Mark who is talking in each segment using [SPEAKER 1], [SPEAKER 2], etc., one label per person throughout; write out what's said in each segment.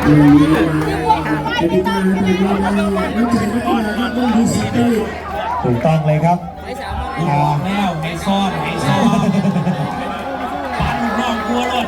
[SPEAKER 1] ติกาเป็นยังไงน้ำใจนักกีฬาครับต้องมีสิทธิ์ได้
[SPEAKER 2] ถูกต้องเลยครับ
[SPEAKER 3] บอกแล้วให้ซ่อนปันนอกกลัวรถ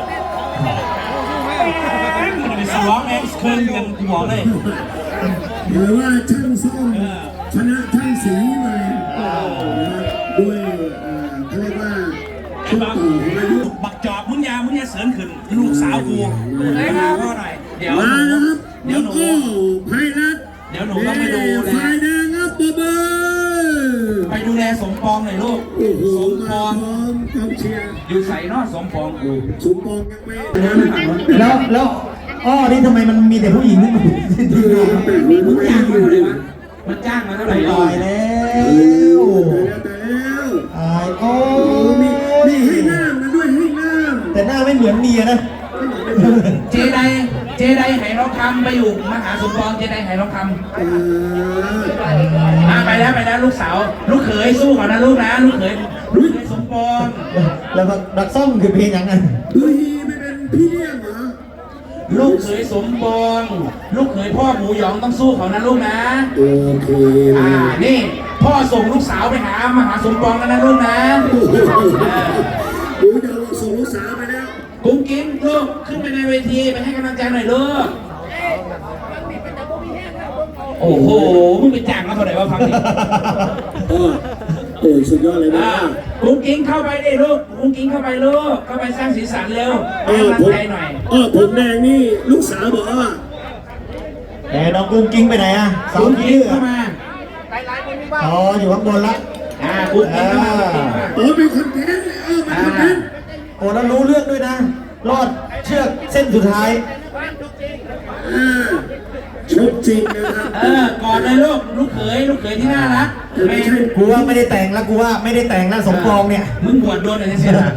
[SPEAKER 3] ไปสวองเอ็กซ์คืนกันบอกเลย
[SPEAKER 1] หรือว่าช่างซ่อมชนะช่างสีมาด้วยเขาเรียกว่าชุดต่อของอายุ
[SPEAKER 3] บักจอบมึงยาเสริมขึ้นลูกสาวกูมาเพราะอะไรเดี๋ยว
[SPEAKER 1] มาแล้วครับ
[SPEAKER 3] เดี๋ยวหนู
[SPEAKER 1] ไพรัต
[SPEAKER 3] เดี๋ยวหนูต้องไปดูแล
[SPEAKER 1] ฝ่ายแดงครับเบอร์
[SPEAKER 3] ไปดูแลสมปองหน่อยลูกสมปอง
[SPEAKER 1] กองเชียร์
[SPEAKER 3] อยู่ใส่นอสมปองกู
[SPEAKER 1] สมปองยังไม่
[SPEAKER 2] แล้วอ้อนี่ทำไมมันมีแต่ผู้หญิงนี่
[SPEAKER 3] มึงจ้างมาเท่าไหร่วะมันจ้างมาเท่าไหร่
[SPEAKER 2] ตายแล้วตายโอ้
[SPEAKER 1] มีให้หน้ามันด้วยให้หน้า
[SPEAKER 2] แต่หน้าไม่เหมือนเมียนะ
[SPEAKER 3] เจไดไหร้องคำไปอยู่มหาสมปองเจไดไหร้องคำไปแล้วลูกสาวลูกเขยสู้ก่อนนะลูกนะลูกเขยสมปอง
[SPEAKER 2] แล้วดักซ่อมคือเพลงยังไง
[SPEAKER 1] ดูฮีไม่เป็นพี่เลี้ยงเหรอ
[SPEAKER 3] ลูกเขยสมปองลูกเขยพ่อหมูหยองต้องสู้เขานะลูกนะ
[SPEAKER 1] โอเค
[SPEAKER 3] นี่พ่อส่งลูกสาวไปหามหาสมปองแล้วนะลูกนะ
[SPEAKER 1] ดูจะส่งลูกสาวไปแล้ว
[SPEAKER 3] กุ้งกิ้งลูกขึ้นไปในเวทีไปให้กำลังใจหน่อยลูกโอ้โหมึงไปจ้างมาเท่าไหร่วะพังดิ
[SPEAKER 1] โอ้สุดยอดเลยนะ
[SPEAKER 3] กุ้งกิ้งเข้าไปดิลูกกุ้งกิ้งเข้าไปลูกเข้าไปสร้างสีสันเร็วให้กำลังใจหน่อย
[SPEAKER 1] ผมแดงนี่ลูกสาวบอกว่า
[SPEAKER 2] แต่น้องกุ้งกิ้งไปไหนอ่ะ
[SPEAKER 3] สาวกิ้งเข้ามา
[SPEAKER 2] อ๋ออยู่ข้างบนละ
[SPEAKER 3] กุ้งกิ้งเข้ามา
[SPEAKER 1] เป็นคอนเทนต์เป็นคอนเทนต์
[SPEAKER 2] โอ้แล้วรู้เรื่องด้วยนะรอดเชือกเส้นสุดท้าย
[SPEAKER 1] ชุบจริงนะครับ
[SPEAKER 3] ก่อนเลยลูกเขยที่น่ารัก
[SPEAKER 1] ไม่ใช่
[SPEAKER 2] กูว่าไม่ได้แต่งแล้วกูว่าไม่ได้แต่งแล้วสมปองเนี่ย
[SPEAKER 3] มึงบวชโดนอะไรเสียละ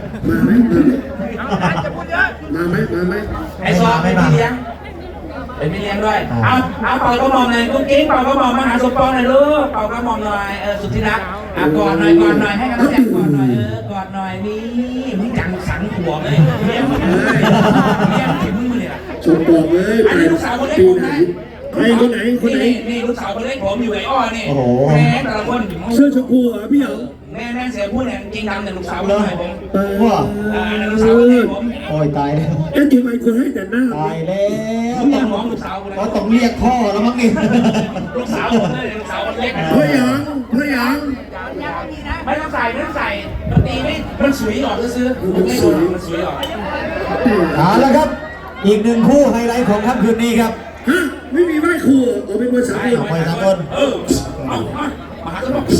[SPEAKER 1] มาไหม
[SPEAKER 3] ไอ้ซอไม่เลี้ยงเป็นไม่เลี้ยงด้วยเอาเป่าก็มองเลยกุ้งกิ้งเป่าก็มองมาหาสมปองหน่อยลูกเป่าก็มองหน่อยสุดที่รักกอดหน่อยให้กำลังใจกอดหน่อยกอดหน่อยนี่มึงจังสังหัวเลยเลี้ยงถึงมึงเลยล่ะ
[SPEAKER 1] สมปองเลย
[SPEAKER 3] อันนี้ลูกสาวคนเล็กผมนะ
[SPEAKER 1] คนไหน
[SPEAKER 3] นี่ลูกสาวคนเล็กผมอยู่ไอ้อ้อนี่แม่แต่ละคน
[SPEAKER 1] เสื้อชมพูพี่เหรอ
[SPEAKER 3] แม่เสียพูดเนี่ยจริงดำแต่ลูกสาวเลยผม
[SPEAKER 2] ว่า
[SPEAKER 3] ลูกสาวคนเล็กผม
[SPEAKER 2] โอ้ยตายแล้ว
[SPEAKER 1] ทำไมคนให้แต่หน้า
[SPEAKER 2] ตายแล้ว
[SPEAKER 3] ต้องมองลูกสาว
[SPEAKER 2] เขาต้องเรียกพ่อแล้วมั้งนี่
[SPEAKER 3] ลูกสาวผมเลยลูกสาวคนเล็ก
[SPEAKER 1] พ่อหยาง
[SPEAKER 3] ไม่ต้องใส่มันตีไม่มันสวยออกซื้อไม่โดนมันสวยออก
[SPEAKER 2] แล้วครับอีกหนึ่งคู่ไฮไลท์ของค่ำคืนนี้ครับ
[SPEAKER 1] ไม่มีไหว้ครูเป็นมวยสากล
[SPEAKER 2] มวยสากล
[SPEAKER 3] มาทุกคน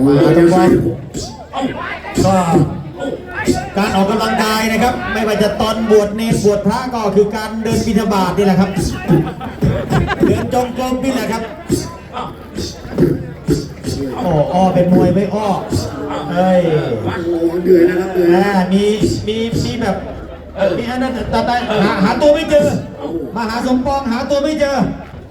[SPEAKER 2] ก็การออกกำลังกายนะครับไม่ว่าจะตอนบวชเนรบวชพระก็คือการเดินบิณฑบาตนี่แหละครับเดินจงกรมนี่แหละครับอ้อเป็นมวยไม่อ้อเฮ้ย
[SPEAKER 1] เดือดนะครับ
[SPEAKER 2] มีแบบมีอันนั้นแต่หาตัวไม่เจอมาหาสมปองหาตัวไม่เจอ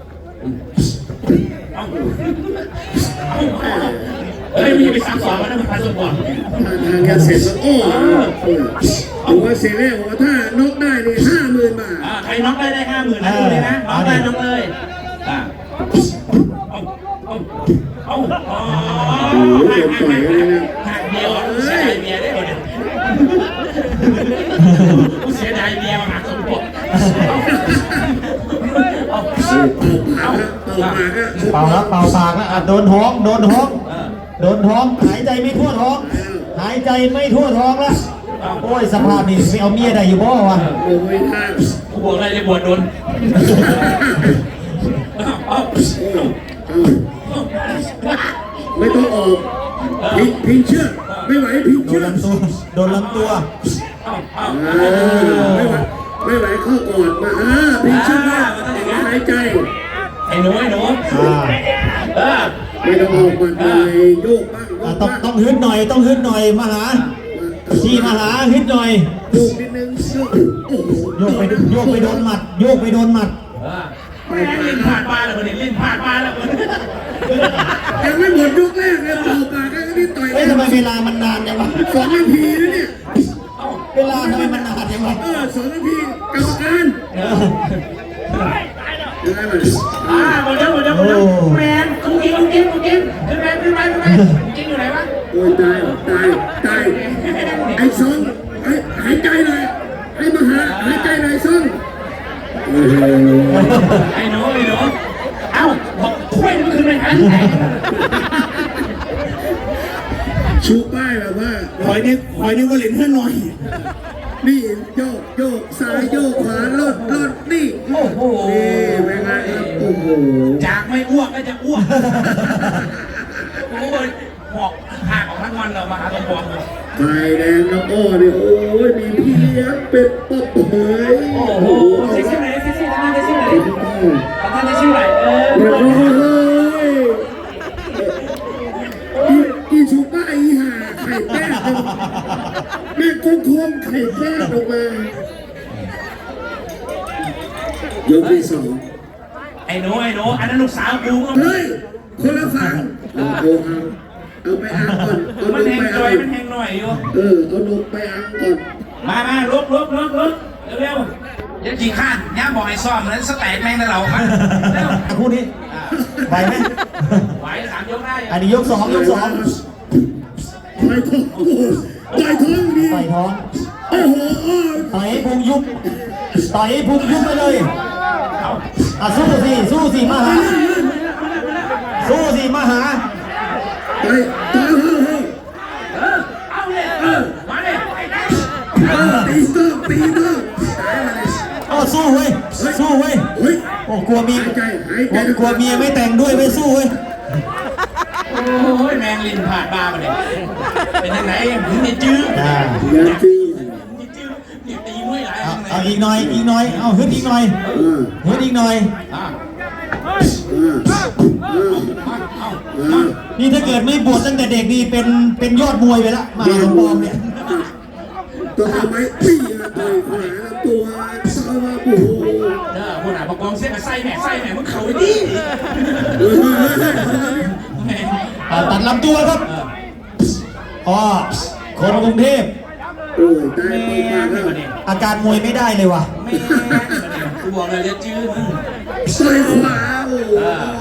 [SPEAKER 3] มีไป3-2แล้วนะพันสมปอง
[SPEAKER 1] ทางยาเสพบอกว่าเสียแรกบอกว่าถ้านกได้เนี่ย50,000 บาท
[SPEAKER 3] ใครน็อกได้50,000นะเลยนะน็อกได้น็อกเลยหักเดียวเสียดายเมียได้หมดเลยเสียดายเมียหักสมปอง
[SPEAKER 2] เป่าแล้วเป่าปากแล้วโดนท้องหายใจไม่ทั่วท้องแล้วโอ้ยสภาพนี่ไม่เอาเมียได้อยู่บ่วะ
[SPEAKER 3] กูบอกอะไรเลยบวชโดน
[SPEAKER 1] ไม่ต้องออกพิงเชือกไม่ไหวพิงเชือก
[SPEAKER 2] โดนลำตัว
[SPEAKER 1] ไม่ไหวเข้ากอดมาพิงเชือกหายใจ
[SPEAKER 3] ไอ้หนูไม่ต้องออก
[SPEAKER 1] มาเลยโยกบ้าง
[SPEAKER 2] ต้องฮึดหน่อยมาหาฮึดหน่อย
[SPEAKER 1] โยกนิดนึง
[SPEAKER 2] โยกไปโดนหมัด
[SPEAKER 3] ลิ้นผ่านมาแล้วคนนี้ลิ้นผ่านมาแล้วคน
[SPEAKER 1] ยังไม่หมดยกแรกเลยเป่าปากก็นี่ต่อย
[SPEAKER 2] ทำไมเวลามันนานจังวะ
[SPEAKER 1] 2 นาทีนะเนี่ย
[SPEAKER 2] เวลาทำไมมันนานจังวะ
[SPEAKER 1] 2 นาทีกรรมการยังไงมัน
[SPEAKER 3] หมดแล้วแมนกุ้งกินแมนขึ้นไปกินอยู่ไหนวะ
[SPEAKER 1] โอ้ยตายไอ้ซองหายใจเลยไอ้มาหาหายใจเลยซองโอ้โห
[SPEAKER 3] ไอ้หนูเอ้าบอกถ้วยมันคือเป็นอันไหน
[SPEAKER 1] ชูป้ายแบบว่า
[SPEAKER 4] คอยนี่ว่าเหรียญห้าหน่อย
[SPEAKER 1] นี่โยกซ้ายโยกขวาลดนี่
[SPEAKER 3] โอ้โห
[SPEAKER 1] นี่เป็นไงครับโอ้โห
[SPEAKER 3] จากไม่อ้วกก็จะอ้วกโอ้ยหอกห่างออกทั้งวันเรามาหาตัวปอง
[SPEAKER 1] ไฟแดงน้ำอ้อนี่โอ้ยมีพี่เลี้ยงเป็ดป๊อบเผย
[SPEAKER 3] โอ้โหเซ็กซี่ไหนท่านได้ชื่อไหนท่านได้ชื่อไหน
[SPEAKER 1] อีชูป้าอีห่าไข่แป้งแม่กุ้งทวมไข่แป้งออกมายกที่สอง
[SPEAKER 3] ไอ้หนูอันนั้นลูกสาวกูก็
[SPEAKER 1] เฮ้ยคนละฝั่งเอาไปอังก่อนเอา
[SPEAKER 3] มัน
[SPEAKER 1] ลง
[SPEAKER 3] แหง
[SPEAKER 1] ไป
[SPEAKER 3] จ
[SPEAKER 1] อั
[SPEAKER 3] อย
[SPEAKER 1] ง
[SPEAKER 3] มันแหงหน่อยอยู่
[SPEAKER 1] เอาลงไปอังก่อน
[SPEAKER 3] มาลุกเร็วเดี๋ยวจีข้านย่าบอกไอ้ซ่อมนั้นสแต็กแม่งนะเรามาเร็ว
[SPEAKER 2] คู่นี้ไปไหม
[SPEAKER 3] ไหว3 ยกได้
[SPEAKER 2] อันนี้ยกสอง
[SPEAKER 1] ต่อยท้องต่อยท้องดี
[SPEAKER 2] ต่อยท้อง
[SPEAKER 1] โอ้โห
[SPEAKER 2] ต่อยให้พุงยุบต่อยให้พุงยุบไปเลยสู้สิมาหา
[SPEAKER 1] ต่อย
[SPEAKER 3] เอาเลยมาเลย
[SPEAKER 1] ตีก็ตายมาเลย
[SPEAKER 2] สู้เว้ย
[SPEAKER 1] เฮ้ย
[SPEAKER 2] โอ้กลัวเมียไม่แต่งด้วยไม่สู้เว้ย
[SPEAKER 3] โอ้ยแมงลินผ่านบ้ามาเลยเป็นยังไงมึงเนี่ยจื้อ
[SPEAKER 1] อย่าตี
[SPEAKER 3] เนี่ยตีมวยหลาย
[SPEAKER 2] เอาอีกหน่อยเอาฮึดอีกหน่อย นี่ถ้าเกิดไม่บวชตั้งแต่เด็กนี่เป็นยอดมวยไปละมาสมปองเนี่ย
[SPEAKER 1] ตัวทำไมตีต่อยขวาตัวซ้ายมาโอ้โห
[SPEAKER 3] คนอ่ะประกองเส้นกับไส้แม่มึงเข่าดิ
[SPEAKER 2] ตัดลำตัวครับคนกรุงเทพ
[SPEAKER 1] โอ้ยตายไปมาแล้ว
[SPEAKER 2] อาการมวยไม่ได้เลยว่ะ
[SPEAKER 3] แม่กูบอกเลยจะจื้อมึง
[SPEAKER 1] ต่อยขวาโอ้โห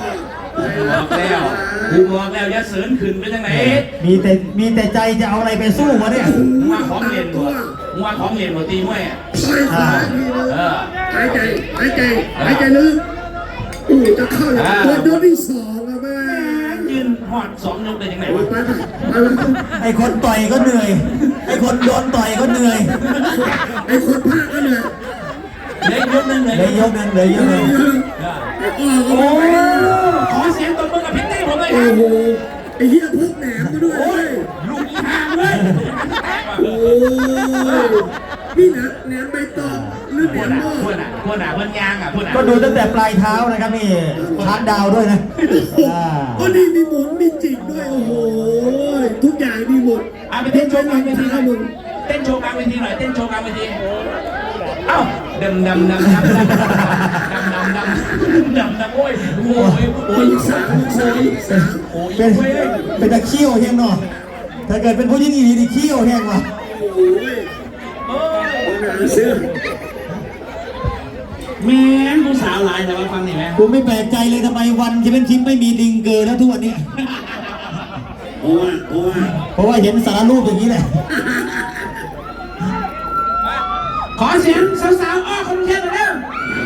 [SPEAKER 3] กูบอกแล้วอย่าเสริญขึ้นไปทางไหน
[SPEAKER 2] มีแต่ใจจะเอาอะไรไปสู้วะเนี่ย
[SPEAKER 3] มาของเรียนบ่ตีมวยอ่ะ
[SPEAKER 1] ต่อยขวาทีนึงหายใจลึกโอ้จะเข้าโดนที่สองอะแม่
[SPEAKER 3] ยืนหอด2 ยกได้ยังไง
[SPEAKER 1] ไป
[SPEAKER 3] วะ
[SPEAKER 1] ไป
[SPEAKER 2] ไอ้คนต่อยก็เหนื่อยไอ้คนโดนต่อยก็เหนื่อย
[SPEAKER 1] ไอ้คนพากก็เหนื่อย
[SPEAKER 3] เลยยกนึงเลย
[SPEAKER 2] เลยยกหนึ่ง
[SPEAKER 1] ไอ้อ้อก็
[SPEAKER 3] โอ้
[SPEAKER 1] ไม่ไหว
[SPEAKER 3] ขอเสียงตบมือกับพิตตี้ผมเลยค
[SPEAKER 1] โอ้
[SPEAKER 3] รับ
[SPEAKER 1] โหไอ้เหี้ยพกแหนมมาด้วย
[SPEAKER 3] ลูกอีห่างเลย
[SPEAKER 1] โอ้ยนี่นะแหนมใบตองหรือแหนมหม้อ
[SPEAKER 3] พูดยางอ่ะพูด
[SPEAKER 2] ก็ดูตั้งแต่ปลายเท้านะครับนี่ชาร์จดาวด้วยนะ
[SPEAKER 1] โอ้นี่มีหมุนมีจิกด้วยโอ้โหทุกอย่างมีหมด
[SPEAKER 3] เอาไปเต้นโชว์กลางเวที
[SPEAKER 1] เท้ามึง
[SPEAKER 3] เต้นโชว์กลางเวทีหน่อยเต้นโชว์กลางเวทีเอ้าดำโอ้ย
[SPEAKER 1] โอ้ยสาม
[SPEAKER 3] โอ้ย
[SPEAKER 2] เป็นตะเขี้ยวแห้งเนาะถ้าเกิดเป็นผู้หญิงอีดีเขี้ยวแห้งว่ะ
[SPEAKER 1] โอ้ยงานเสื้อ
[SPEAKER 3] แม่งผู้สาวหลายแต่ว่าฟังนี่ไหม
[SPEAKER 2] กูไม่แปลกใจเลยทำไมวันจะเป็นชิปไม่มีลิงเกอร์แล้วทุกวันนี้ เพราะว่าเห็นสารรูปอย่างนี้แหละ
[SPEAKER 3] ขอเสียงสาวๆคนเชียร์หน่อยเร็ว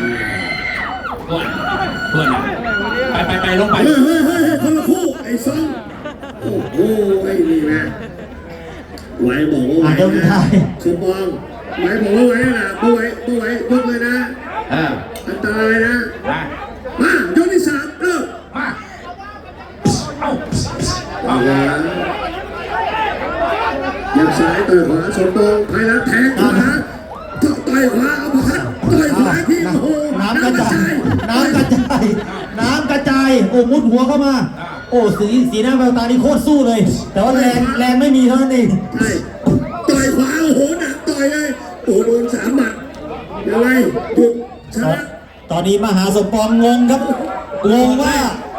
[SPEAKER 3] เพื่อนไปลงไป
[SPEAKER 1] เฮ้ยคนละคู่ไอ้ซองโอ้โหไอ้นี่นะไหวบอกว่าไหวนะสมบองไหวบอกว่าไหวนะไม่ไหวยกเลยนะอันตรายนะมายกที่สามเริ่ม
[SPEAKER 3] มาเอา
[SPEAKER 1] ยับซ้ายต่อยขวาสมบองไพรัตแทงขวาต่อยขวาเอาพัดต่อยขวาที่โอ้โห
[SPEAKER 2] น้ำกระจายโอ้มุดหัวเข้ามา โอ้สีหน้าแววตานี่โคตรสู้เลย แต่ว่าแรงไม่มีเท่านั้นเอง
[SPEAKER 1] ใช่ต่อยขวาโอ้โหหนักต่อยเลยโอ้โดน3 หมัดยังไงหยุดชนะ
[SPEAKER 2] ตอนนี้มหาสมปองงงครับงงว่า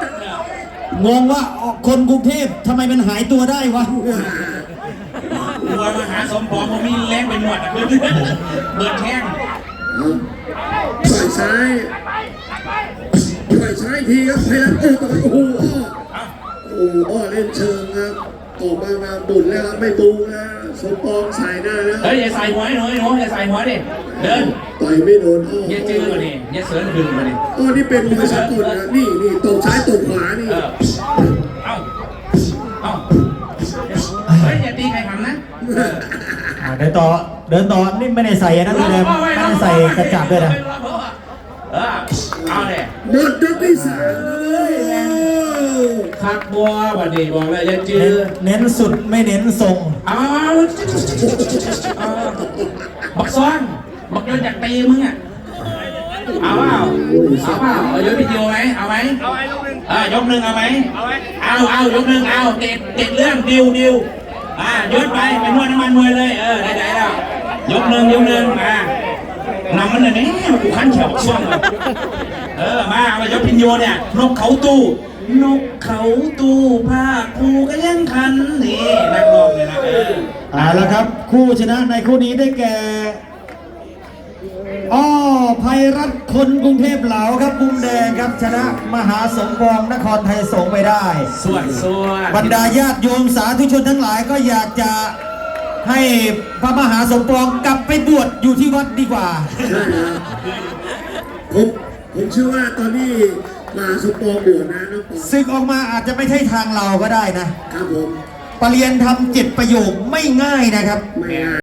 [SPEAKER 2] คนกรุงเทพทำไมมันหายตัวได้วะ
[SPEAKER 3] หัวมหาสมปองมันมีแรงเป็นหมวดเบิร์ดแข้ง
[SPEAKER 1] ต่อยซ้ายปล่อยซ้ายทีครับไพรัตต่อยโอ้โหอ้อเล่นเชิงครับออกมาบุญแล้วครับไม่บูนะสมปองใส่หน้าแล้ว
[SPEAKER 3] เฮ้ยอย่าใส่หัวหนูอย่าใส่หัวดิเดิน
[SPEAKER 1] ต่อยไม่โดนอ้อ
[SPEAKER 3] อย่าจื้อมาดิอย่าเสริญขึ้นมาดิ
[SPEAKER 1] อ้อนี่เป็นมวยสากลนะนี่ตบซ้ายตบขวานี่
[SPEAKER 3] เอาเฮ้ยอย่าตีใครทำนะ
[SPEAKER 2] เดินต่อนี่ไม่ได้ใส่อันนั้นเลยไม่ได้ใส่กระจับด้วยนะ
[SPEAKER 3] เอาเลย
[SPEAKER 1] หมดยกที่สามเลย
[SPEAKER 3] คักบัววันนี้บอกเลยอย่าจื้อ
[SPEAKER 2] เน้นสุดไม่เน้นทรง
[SPEAKER 3] เอาบักซ้อนบักโยนอยากตีมึงอ่ะเอาเปล่าเอายกวิดีโอไหมเอาไหมยกหนึ่งเอาไหมเอายกหนึ่งเอาเด็ดเรื่องดิวยกไปนวดน้ำมันมวยเลยได้แล้วยกหนึ่งนำมันเลยนี่กูขันเขียวบักซ้อนมายกพินโยเนี่ยนกเขาตู้ผ้าคูก็ยังคันนี่นักร้องเลยนะ
[SPEAKER 2] แล้วครับคู่ชนะในคู่นี้ได้แก่ไพรัตน์คนกรุงเทพเหลาครับมุมแดงครับชนะมหาสมปองนครไทยสงฆ์ไปได้
[SPEAKER 3] ส่วน
[SPEAKER 2] บรรดาญาติโยมสาธุชนทั้งหลายก็อยากจะให้พระมหาสมปองกลับไปบวชอยู่ที่วัดดีกว่า
[SPEAKER 1] ใช่ครับผมเชื่อว่าตอนนี้มาสมปองบวชนะน้องปอง
[SPEAKER 2] ศึกออกมาอาจจะไม่ใช่ทางเราก็ได้นะครับ
[SPEAKER 1] ผม
[SPEAKER 2] ปรริญญาธรรม7 ประโยคไม่ง่ายนะครับ
[SPEAKER 1] ไม่ง่าย